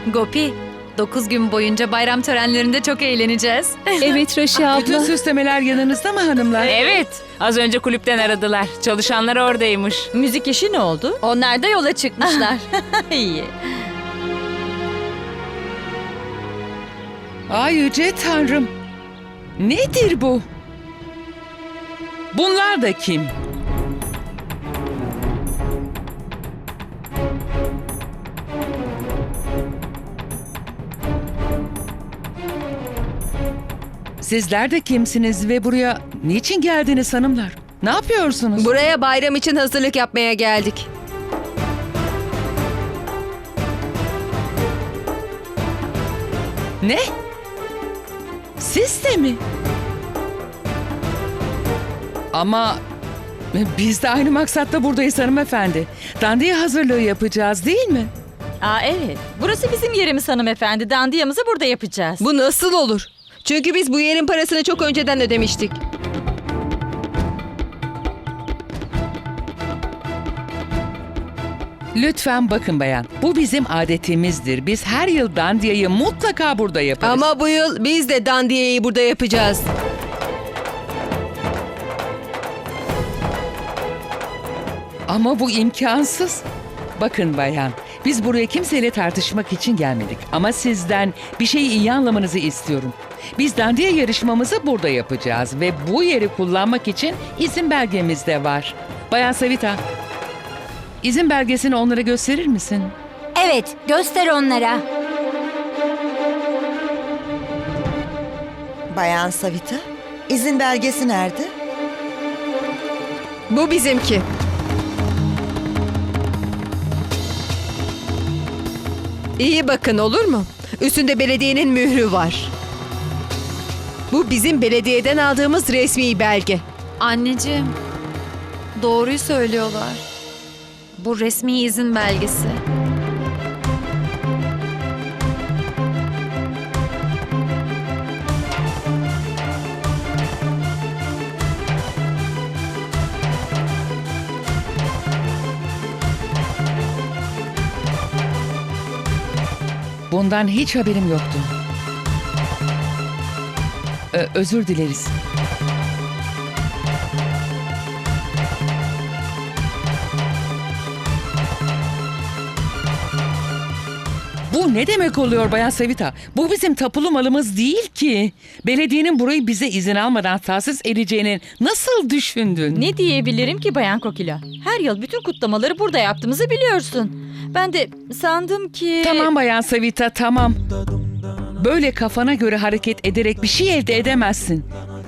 Gopi, 9 gün boyunca bayram törenlerinde çok eğleneceğiz. Evet Raşi Bütün abla. süslemeler yanınızda mı hanımlar? Evet, az önce kulüpten aradılar. Çalışanlar oradaymış. Müzik işi ne oldu? Onlar da yola çıkmışlar. İyi. Ay yüce tanrım. Nedir bu? Bunlar da kim? Sizler de kimsiniz ve buraya niçin geldiniz hanımlar? Ne yapıyorsunuz? Buraya bayram için hazırlık yapmaya geldik. Ne? Siz de mi? Ama biz de aynı maksatla buradayız hanımefendi. Dandiye hazırlığı yapacağız değil mi? Aa evet. Burası bizim yerimiz hanımefendi. Dandiyamızı burada yapacağız. Bu nasıl olur? Çünkü biz bu yerin parasını çok önceden ödemiştik. Lütfen bakın bayan. Bu bizim adetimizdir. Biz her yıl dandiyeyi mutlaka burada yaparız. Ama bu yıl biz de dandiyeyi burada yapacağız. Ama bu imkansız. Bakın bayan, biz buraya kimseyle tartışmak için gelmedik. Ama sizden bir şeyi iyi anlamanızı istiyorum. Biz dandiye yarışmamızı burada yapacağız ve bu yeri kullanmak için izin belgemiz de var. Bayan Savita, izin belgesini onlara gösterir misin? Evet, göster onlara. Bayan Savita, izin belgesi nerede? Bu bizimki. İyi bakın olur mu? Üstünde belediyenin mührü var. Bu bizim belediyeden aldığımız resmi belge. Anneciğim, doğruyu söylüyorlar. Bu resmi izin belgesi. Bundan hiç haberim yoktu. Özür dileriz. Bu ne demek oluyor Bayan Savita? Bu bizim tapulu malımız değil ki. Belediyenin burayı bize izin almadan tahsis edeceğini nasıl düşündün? Ne diyebilirim ki Bayan Kokila? Her yıl bütün kutlamaları burada yaptığımızı biliyorsun. Ben de sandım ki... Tamam Bayan Savita, tamam. Böyle kafana göre hareket ederek bir şey elde edemezsin.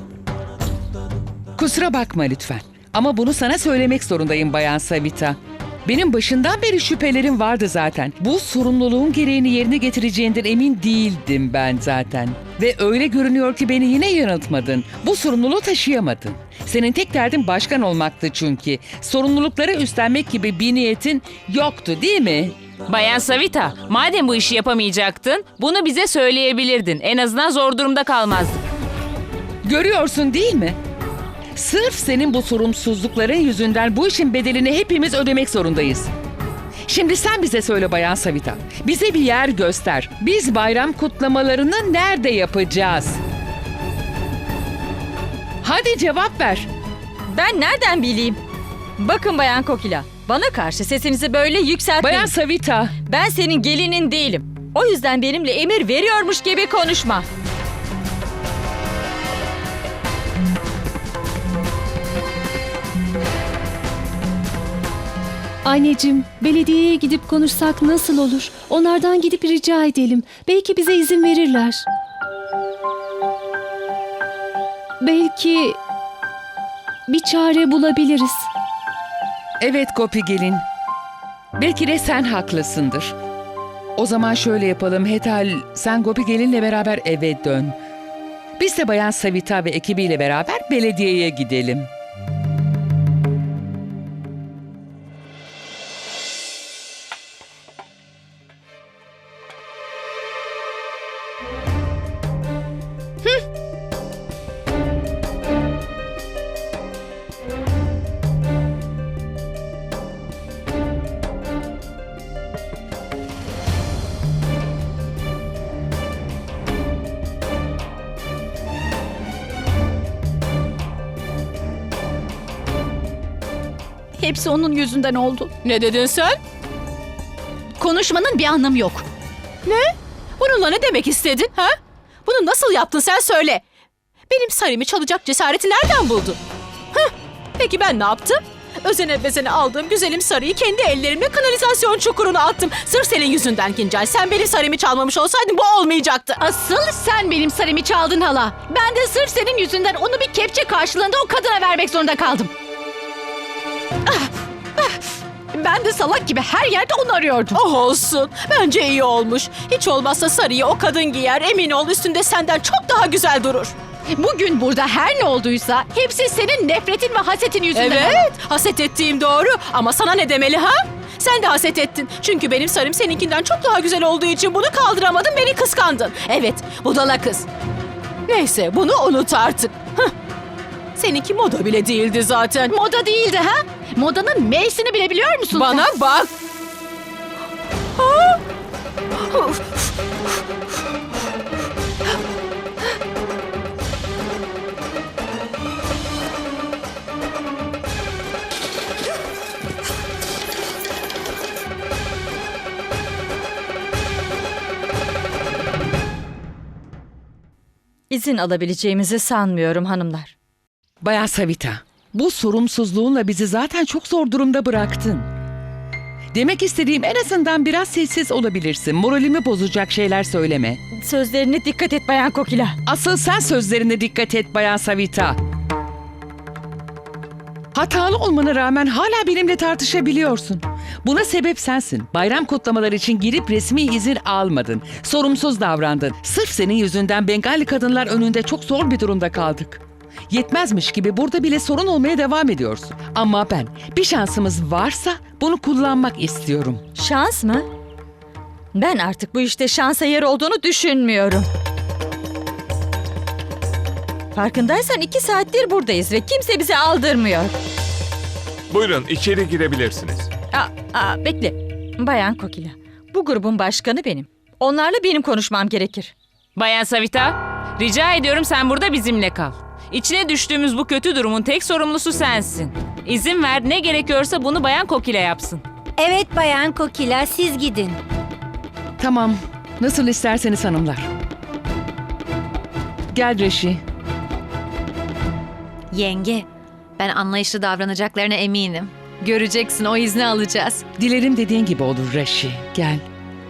Kusura bakma lütfen. Ama bunu sana söylemek zorundayım Bayan Savita. Benim başından beri şüphelerim vardı zaten. Bu sorumluluğun gereğini yerine getireceğinden emin değildim ben zaten. Ve öyle görünüyor ki beni yine yanıltmadın. Bu sorumluluğu taşıyamadın. Senin tek derdin başkan olmaktı çünkü. Sorumlulukları üstlenmek gibi bir niyetin yoktu değil mi? Bayan Savita, madem bu işi yapamayacaktın, bunu bize söyleyebilirdin. En azından zor durumda kalmazdık. Görüyorsun değil mi? Sırf senin bu sorumsuzlukların yüzünden bu işin bedelini hepimiz ödemek zorundayız. Şimdi sen bize söyle Bayan Savita. Bize bir yer göster. Biz bayram kutlamalarını nerede yapacağız? Hadi cevap ver. Ben nereden bileyim? Bakın Bayan Kokila, bana karşı sesinizi böyle yükseltmeyin. Bayan Savita. Ben senin gelinin değilim. O yüzden benimle emir veriyormuş gibi konuşma. Anneciğim, belediyeye gidip konuşsak nasıl olur? Onlardan gidip rica edelim. Belki bize izin verirler. Belki bir çare bulabiliriz. Evet Gopi gelin. Belki de sen haklısındır. O zaman şöyle yapalım Hetal, sen Gopi gelinle beraber eve dön. Biz de Bayan Savita ve ekibiyle beraber belediyeye gidelim. Hepsi onun yüzünden oldu. Ne dedin sen? Konuşmanın bir anlamı yok. Bununla ne demek istedin ha? Bunu nasıl yaptın sen söyle. Benim sarımı çalacak cesareti nereden buldun? Hah, peki ben ne yaptım? Özene bezene aldığım güzelim sarıyı kendi ellerimle kanalizasyon çukuruna attım. Sırf senin yüzünden Kincay. Sen benim sarımı çalmamış olsaydın bu olmayacaktı. Asıl sen benim sarımı çaldın hala. Ben de sırf senin yüzünden onu bir kepçe karşılığında o kadına vermek zorunda kaldım. Ben de salak gibi her yerde onu arıyordum. Oh olsun. Bence iyi olmuş. Hiç olmazsa sarıyı o kadın giyer. Emin ol üstünde senden çok daha güzel durur. Bugün burada her ne olduysa hepsi senin nefretin ve hasetin yüzünden. Evet, haset ettiğim doğru. Ama sana ne demeli ha? Sen de haset ettin. Çünkü benim sarım seninkinden çok daha güzel olduğu için bunu kaldıramadın, beni kıskandın. Evet, budala kız. Neyse, bunu unut artık. Hıh. Seninki moda bile değildi zaten. Moda değildi ha? Modanın M'sini bile biliyor musun Bana sen? bak. Ha? İzin alabileceğimizi sanmıyorum hanımlar. Bayan Savita, bu sorumsuzluğunla bizi zaten çok zor durumda bıraktın. Demek istediğim en azından biraz sessiz olabilirsin. Moralimi bozacak şeyler söyleme. Sözlerine dikkat et Bayan Kokila. Asıl sen sözlerine dikkat et Bayan Savita. Hatalı olmana rağmen hala benimle tartışabiliyorsun. Buna sebep sensin. Bayram kutlamaları için girip resmi izin almadın. Sorumsuz davrandın. Sırf senin yüzünden Bengali kadınlar önünde çok zor bir durumda kaldık. Yetmezmiş gibi burada bile sorun olmaya devam ediyorsun. Ama ben bir şansımız varsa bunu kullanmak istiyorum. Şans mı? Ben artık bu işte şansa yer olduğunu düşünmüyorum. Farkındaysan 2 saattir buradayız ve kimse bizi aldırmıyor. Buyurun içeri girebilirsiniz. Bekle. Bayan Kokila, bu grubun başkanı benim. Onlarla benim konuşmam gerekir. Bayan Savita, rica ediyorum sen burada bizimle kal. İçine düştüğümüz bu kötü durumun tek sorumlusu sensin. İzin ver, ne gerekiyorsa bunu Bayan Kokila yapsın. Evet Bayan Kokila, siz gidin. Tamam, nasıl isterseniz hanımlar. Gel Reşi. Yenge, ben anlayışlı davranacaklarına eminim. Göreceksin, o izni alacağız. Dilerim dediğin gibi olur Reşi. Gel.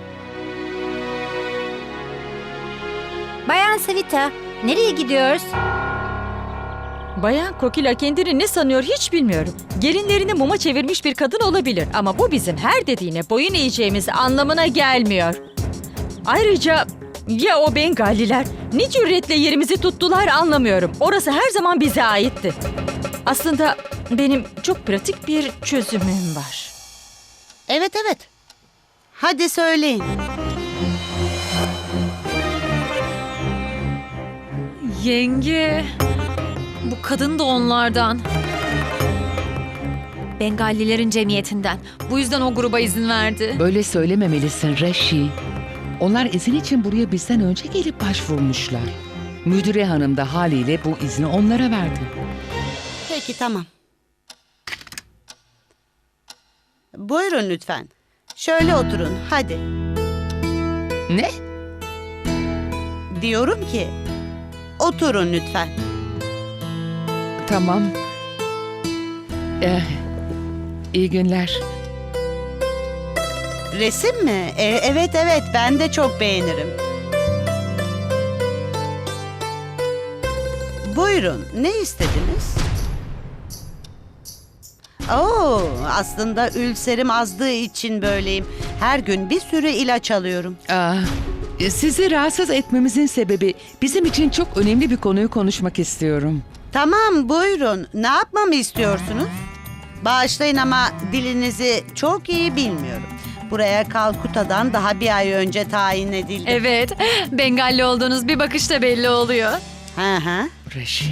Bayan Savita, nereye gidiyoruz? Bayan Kokila kendini ne sanıyor hiç bilmiyorum. Gelinlerini muma çevirmiş bir kadın olabilir ama bu bizim her dediğine boyun eğeceğimiz anlamına gelmiyor. Ayrıca ya o Bengaliler ne cüretle yerimizi tuttular anlamıyorum. Orası her zaman bize aitti. Aslında benim çok pratik bir çözümüm var. Evet. Hadi söyleyin. Yenge, bu kadın da onlardan. Bengalilerin cemiyetinden. Bu yüzden o gruba izin verdi. Böyle söylememelisin Reşi. Onlar izin için buraya bizden önce gelip başvurmuşlar. Müdüre hanım da haliyle bu izni onlara verdi. Peki tamam. Buyurun lütfen. Şöyle oturun hadi. Ne? Diyorum ki oturun lütfen. Tamam. İyi günler. Resim mi? Evet ben de çok beğenirim. Buyurun ne istediniz? Aslında ülserim azdığı için böyleyim. Her gün bir sürü ilaç alıyorum. Sizi rahatsız etmemizin sebebi bizim için çok önemli bir konuyu konuşmak istiyorum. Tamam buyurun. Ne yapmamı istiyorsunuz? Bağışlayın ama dilinizi çok iyi bilmiyorum. Buraya Kalkuta'dan daha bir ay önce tayin edildim. Evet, Bengalli olduğunuz bir bakışta belli oluyor. Hı. Reşi.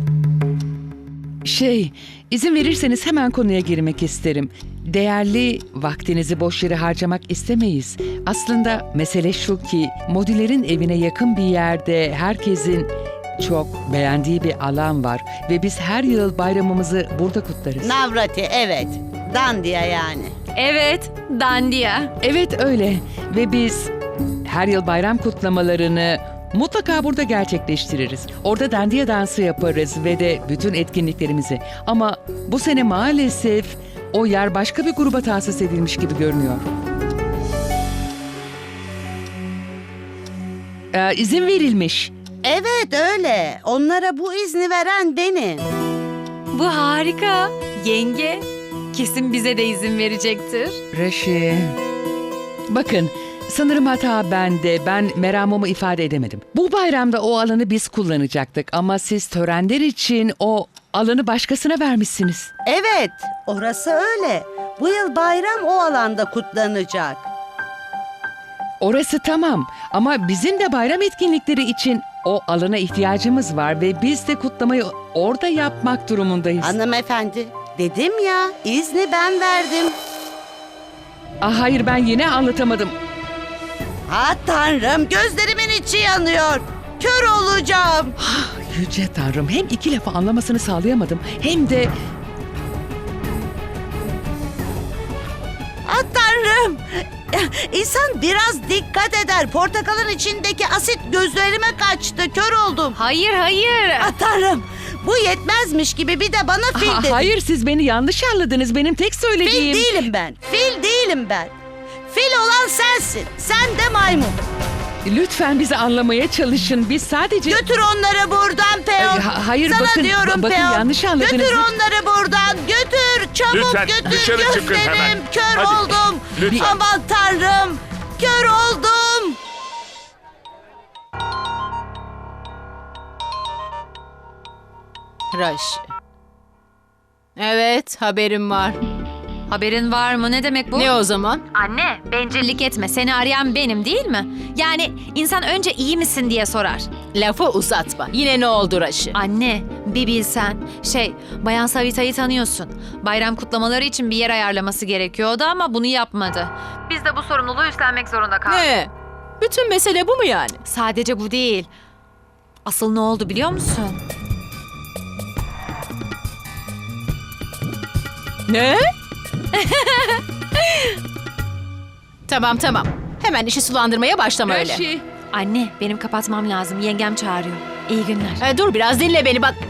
İzin verirseniz hemen konuya girmek isterim. Değerli vaktinizi boş yere harcamak istemeyiz. Aslında mesele şu ki Modilerin evine yakın bir yerde herkesin çok beğendiği bir alan var ve biz her yıl bayramımızı burada kutlarız. Navrati evet. Dandiya yani. Evet, dandiya. Evet öyle ve biz her yıl bayram kutlamalarını mutlaka burada gerçekleştiririz. Orada dandiya dansı yaparız ve de bütün etkinliklerimizi. Ama bu sene maalesef o yer başka bir gruba tahsis edilmiş gibi görünüyor. İzin verilmiş. Evet öyle. Onlara bu izni veren benim. Bu harika. Yenge, kesin bize de izin verecektir. Reşi. Bakın, sanırım hata bende. Ben meramımı ifade edemedim. Bu bayramda o alanı biz kullanacaktık ama siz törenler için o alanı başkasına vermişsiniz. Evet, orası öyle. Bu yıl bayram o alanda kutlanacak. Orası tamam ama bizim de bayram etkinlikleri için o alana ihtiyacımız var ve biz de kutlamayı orada yapmak durumundayız. Hanımefendi, dedim ya, izni ben verdim. Hayır, ben yine anlatamadım. Ha Tanrım, gözlerimin içi yanıyor. Kör olacağım. Yüce Tanrım, hem iki lafı anlamasını sağlayamadım hem de... Ha Tanrım. İnsan biraz dikkat eder. Portakalın içindeki asit gözlerime kaçtı. Kör oldum. Hayır, hayır. Ha Tanrım. Bu yetmezmiş gibi bir de bana fil dedi. Hayır, siz beni yanlış anladınız. Benim tek söylediğim... Fil değilim ben. Fil değilim ben. Fil olan sensin. Sen de maymun. Lütfen bizi anlamaya çalışın. Biz sadece... Götür onları buradan Peon. Hayır, Sana bakın, diyorum bakın Peon. yanlış anladınız. Götür onları buradan. Götür. Çabuk Lütfen, götür. dışarı çıkın Gözlerim. hemen. Kör Hadi. oldum. Lütfen. Aman Tanrım. Kör oldum. Raşi. Evet, haberim var. Haberin var mı? Ne demek bu? Ne o zaman? Anne, bencillik etme. Seni arayan benim değil mi? Yani insan önce iyi misin diye sorar. Lafı uzatma. Yine ne oldu Raşi? Anne, bir bilsen. Bayan Savita'yı tanıyorsun. Bayram kutlamaları için bir yer ayarlaması gerekiyordu ama bunu yapmadı. Biz de bu sorumluluğu üstlenmek zorunda kaldık. Ne? Bütün mesele bu mu yani? Sadece bu değil. Asıl ne oldu biliyor musun? Ne? Tamam. Hemen işi sulandırmaya başlama öyle. Reşi. Anne, benim kapatmam lazım. Yengem çağırıyor. İyi günler. Dur biraz dinle beni bak.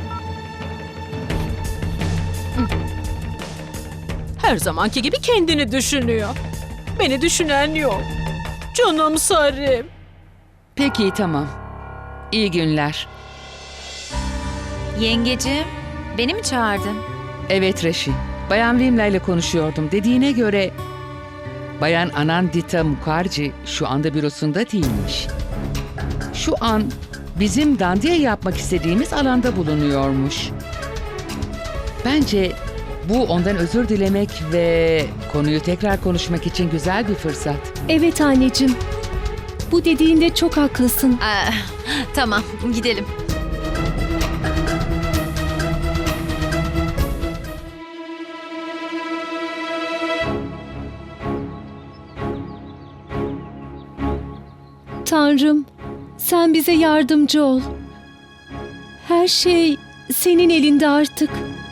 Her zamanki gibi kendini düşünüyor. Beni düşünen yok. Canım Sarim. Peki, tamam. İyi günler. Yengeciğim, beni mi çağırdın? Evet Reşi. Bayan Vimla ile konuşuyordum. Dediğine göre Bayan Anandita Mukherjee şu anda bürosunda değilmiş. Şu an bizim dandiya yapmak istediğimiz alanda bulunuyormuş. Bence bu ondan özür dilemek ve konuyu tekrar konuşmak için güzel bir fırsat. Evet anneciğim. Bu dediğinde çok haklısın. Tamam, gidelim. Tanrım, sen bize yardımcı ol. Her şey senin elinde artık.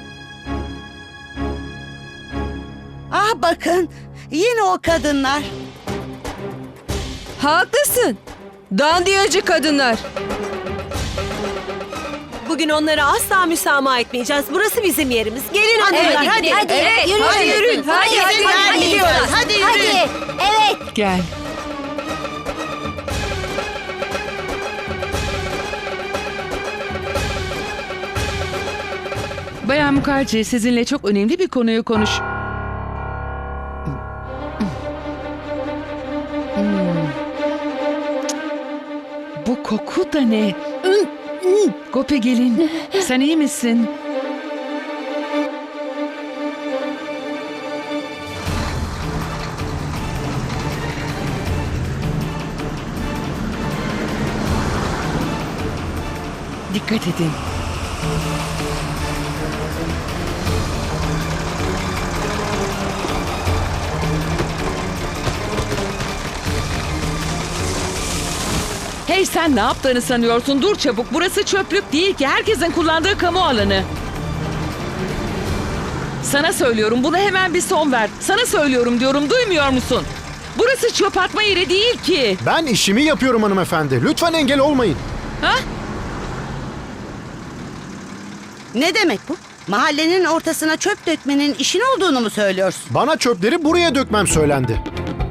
Ah bakın. Yine o kadınlar. Haklısın. Dandiyacı kadınlar. Bugün onlara asla müsamaha etmeyeceğiz. Burası bizim yerimiz. Gelin hanımlar hadi. Hadi yürüyün. Hadi yürüyün. Hadi gidiyoruz. Hadi yürüyün. Evet. Gel. Bayan Mukherjee, sizinle çok önemli bir konuyu konuş... Bu koku da ne? Gopi gelin. Sen iyi misin? Dikkat edin. Hey, sen ne yaptığını sanıyorsun? Dur çabuk. Burası çöplük değil ki. Herkesin kullandığı kamu alanı. Sana söylüyorum, buna hemen bir son ver. Sana söylüyorum diyorum, duymuyor musun? Burası çöp atma yeri değil ki. Ben işimi yapıyorum hanımefendi. Lütfen engel olmayın. Ha? Ne demek bu? Mahallenin ortasına çöp dökmenin işin olduğunu mu söylüyorsun? Bana çöpleri buraya dökmem söylendi.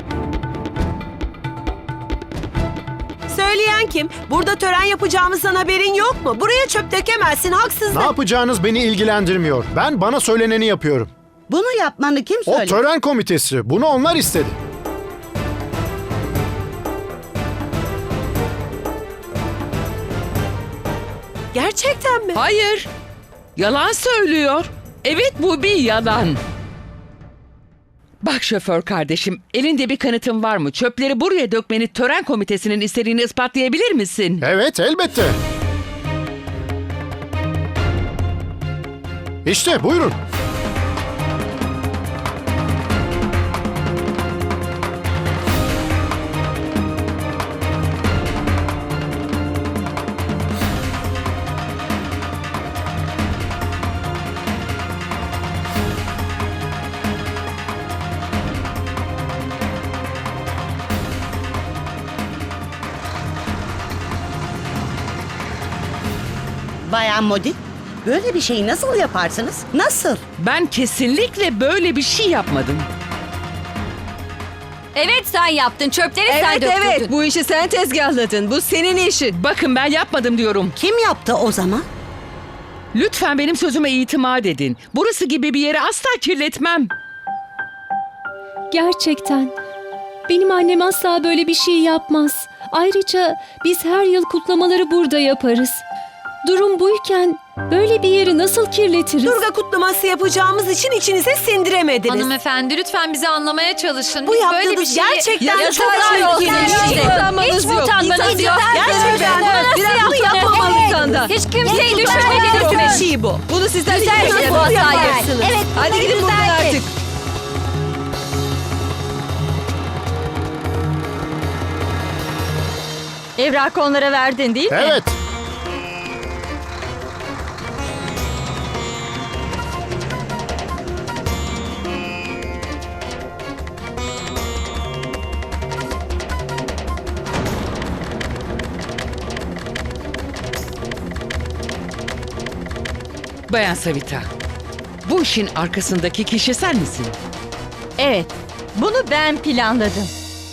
Söyleyen kim? Burada tören yapacağımızdan haberin yok mu? Buraya çöp dökemezsin, haksızlık. Ne yapacağınız beni ilgilendirmiyor. Ben bana söyleneni yapıyorum. Bunu yapmanı kim O söyledi? tören komitesi. Bunu onlar istedi. Gerçekten mi? Hayır. Yalan söylüyor. Evet, bu bir yalan. Bak şoför kardeşim, elinde bir kanıtın var mı? Çöpleri buraya dökmeni tören komitesinin istediğini ispatlayabilir misin? Evet, elbette. İşte buyurun. Bayan Modi, böyle bir şeyi nasıl yaparsınız? Nasıl? Ben kesinlikle böyle bir şey yapmadım. Evet sen yaptın. Çöpleri sen döktürdün. Bu işi sen tezgahladın. Bu senin işin. Bakın, ben yapmadım diyorum. Kim yaptı o zaman? Lütfen benim sözüme itimat edin. Burası gibi bir yeri asla kirletmem. Gerçekten. Benim annem asla böyle bir şey yapmaz. Ayrıca biz her yıl kutlamaları burada yaparız. Durum buyken böyle bir yeri nasıl kirletiriz? Durga kutlaması yapacağımız için içinize sindiremediniz. Hanımefendi lütfen bizi anlamaya çalışın. Bu Biz böyle bir yaptığınız şeyi... gerçekten çok Yazıklar çirkin olsun bir şey. işte. Utanmanız Hiç mi yok. utanmanız yok? Gerçekten. Biraz bunu yapmamalı senden. Hiç kimseyi Kötü düşünmediniz mi? bir şey bu. Bunu sizden Güzel hiç bir bu yapamazsınız. hatayı. Evet, Hadi gidin buradan artık. Evrakı onlara verdin değil mi? Evet. Bayan Savita, bu işin arkasındaki kişi sen misin? Evet. Bunu ben planladım.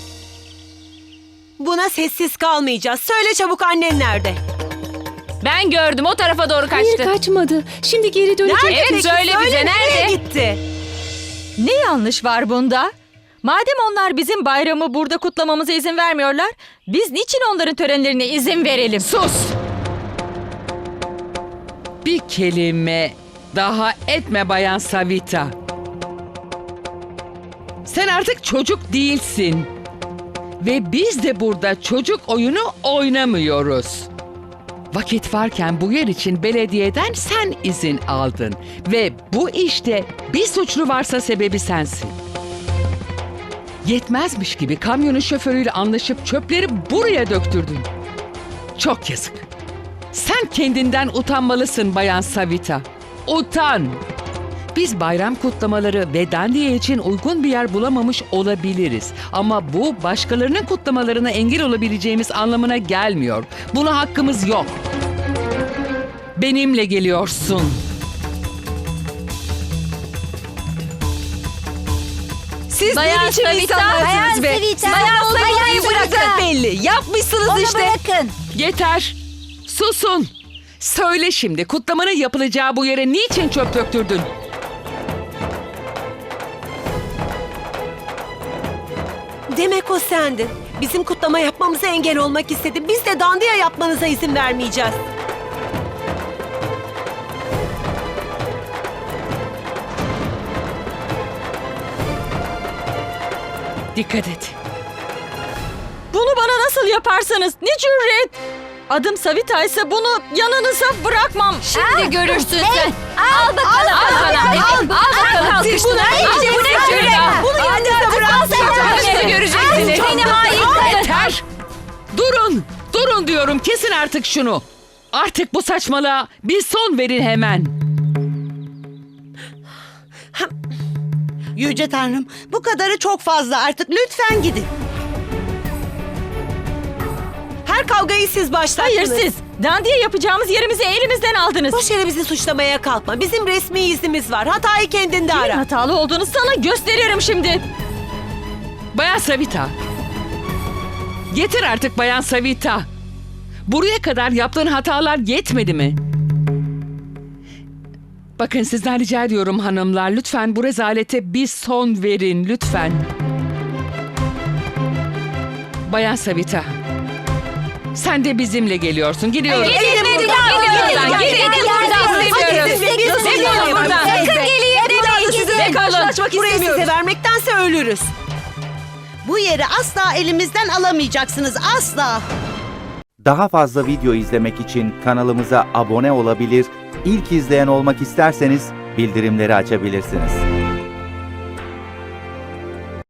Buna sessiz kalmayacağız. Söyle çabuk, annen nerede? Ben gördüm, o tarafa doğru Hayır, kaçtı. kaçmadı. Şimdi geri dönecek. Evet, Peki, söyle bize, nereye nerede? gitti? Ne yanlış var bunda? Madem onlar bizim bayramı burada kutlamamıza izin vermiyorlar, biz niçin onların törenlerine izin verelim? Sus! Bir kelime daha etme Bayan Savita. Sen artık çocuk değilsin. Ve biz de burada çocuk oyunu oynamıyoruz. Vakit varken bu yer için belediyeden sen izin aldın. Ve bu işte bir suçlu varsa sebebi sensin. Yetmezmiş gibi kamyonun şoförüyle anlaşıp çöpleri buraya döktürdün. Çok yazık. Sen kendinden utanmalısın Bayan Savita. Utan! Biz bayram kutlamaları ve dandiye için uygun bir yer bulamamış olabiliriz. Ama bu başkalarının kutlamalarına engel olabileceğimiz anlamına gelmiyor. Buna hakkımız yok. Benimle geliyorsun. Siz Bayan ne biçim Savita, insanlarsınız be? Bayan Savita, Bayan Bayan Savita'yı bırakın Savita. belli. Yapmışsınız Onu işte. bırakın. Yeter. Susun. Söyle şimdi, kutlamanın yapılacağı bu yere niçin çöp döktürdün? Demek o sendin. Bizim kutlama yapmamıza engel olmak istedi. Biz de dandiya yapmanıza izin vermeyeceğiz. Dikkat et. Bunu bana nasıl yaparsınız? Ne cüret? Adım Savita ise bunu yanınıza bırakmam. Şimdi görürsün sen. Al bakalım. Al sana. Al bakalım. Siz bunu Bu ne cüret? Bunu yanınıza bırakın. Şimdi göreceksiniz. Seni hain kadın. Yeter! Durun! Durun diyorum, kesin artık şunu. Artık bu saçmalığa bir son verin hemen. Yüce Tanrım, bu kadarı çok fazla artık. Lütfen gidin. Her kavgayı siz başlattınız. Hayır siz. Dandiye yapacağımız yerimizi elimizden aldınız. Boş yere bizi suçlamaya kalkma. Bizim resmi iznimiz var. Hatayı kendinde Kimin ara. hatalı olduğunu sana gösteririm şimdi. Bayan Savita. Yeter artık Bayan Savita. Buraya kadar yaptığın hatalar yetmedi mi? Bakın sizden rica ediyorum hanımlar. Lütfen bu rezalete bir son verin lütfen. Bayan Savita. Sen de bizimle geliyorsun. Gidiyoruz. Gidin buradan. Sakın gelin demeyin. Sizinle karşılaşmak istemiyoruz. Size vermektense ölürüz. Bu yeri asla elimizden alamayacaksınız. Asla. Daha fazla video izlemek için kanalımıza abone olabilir, ilk izleyen olmak isterseniz bildirimleri açabilirsiniz.